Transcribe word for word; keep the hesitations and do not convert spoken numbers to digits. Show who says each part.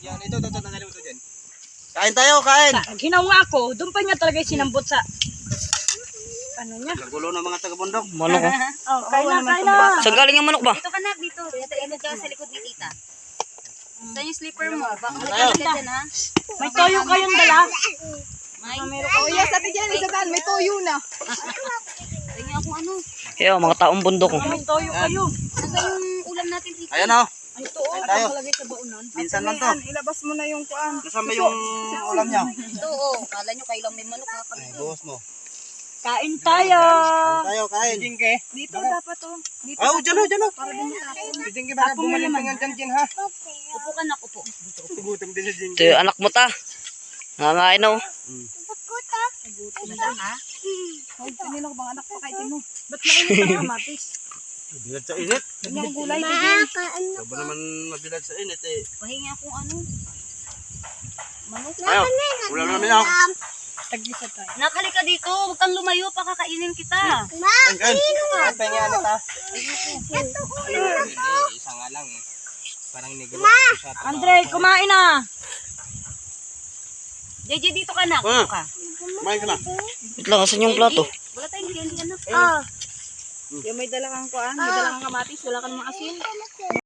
Speaker 1: Yan, ito, ito, ito, tanggalin mo ito dyan. Kain tayo, kain!
Speaker 2: Ginaw nga ako, doon pa niya talaga sinambot sa... Ano niya?
Speaker 1: Nagulo ng mga taga-bundok.
Speaker 3: Manok oh.
Speaker 2: Oh, kain na, kain na.
Speaker 3: Saan galing yung manok ba?
Speaker 4: Dito ka na, dito. Dito, ito ka sa likod ni tita. Saan yung slipper mo? Baka magkakalit ka dyan, ha?
Speaker 2: May toyo kayong dala.
Speaker 4: May?
Speaker 5: Oh, yes, ate Jen, isa daan, may toyo na.
Speaker 4: Tingnan ako ano.
Speaker 3: Kaya mga taong bundok oh.
Speaker 2: May toyo kayo.
Speaker 4: Nasaan yung ulam natin, tita?
Speaker 1: Ayan o.
Speaker 2: Ay, ito oh,
Speaker 1: tayo.
Speaker 2: nakalagay sa baunan.
Speaker 1: Minsan lang to.
Speaker 5: Ayan, ilabas mo na yung kuan.
Speaker 1: Nasaan ba yung ulam niya?
Speaker 4: Ito, oh. Kala nyo kayo lang may manok, ha?
Speaker 1: Ay, buhos mo.
Speaker 2: Kain tayo.
Speaker 1: Kain tayo, kain.
Speaker 5: Jingke. Dito dapat to. Dito.
Speaker 1: Oh, dyan o, dyan o.
Speaker 5: Para din tapon.
Speaker 1: Jingke, baka bumalintingan dyan, Jen, ha?
Speaker 4: Upo ka na, upo.
Speaker 1: Gutom din si Jingke.
Speaker 3: Ito yung anak mo ta. Nangangain oh.
Speaker 4: Nasa ka?
Speaker 5: Oh, kanino ko bang anak pa kahit mo?
Speaker 2: Ba't mainit ang kamatis?
Speaker 1: Bilad sa init.
Speaker 5: Ganyan ang gulay. Jen.
Speaker 1: Ito ba naman mabilad sa init eh.
Speaker 4: Pahingi akong ano. Manok.
Speaker 1: Ayaw, ulam namin ako.
Speaker 2: Tag-isa tayo.
Speaker 4: Nakalika dito. Huwag kang lumayo. Pakakainin kita.
Speaker 1: Kain, kain. Kain, pengi ano ta? Isa nga lang eh. Parang nigro.
Speaker 2: Andre, kumain na.
Speaker 4: J J, dito ka na.
Speaker 1: Ah.
Speaker 4: Upo ka.
Speaker 1: Kumain ka na.
Speaker 3: Wait lang, asan yung plato?
Speaker 4: Wala tayong candy, anak.
Speaker 2: Ah,
Speaker 5: Yung may dala kang kuan, may dala kang kamatis, wala kang mga asin.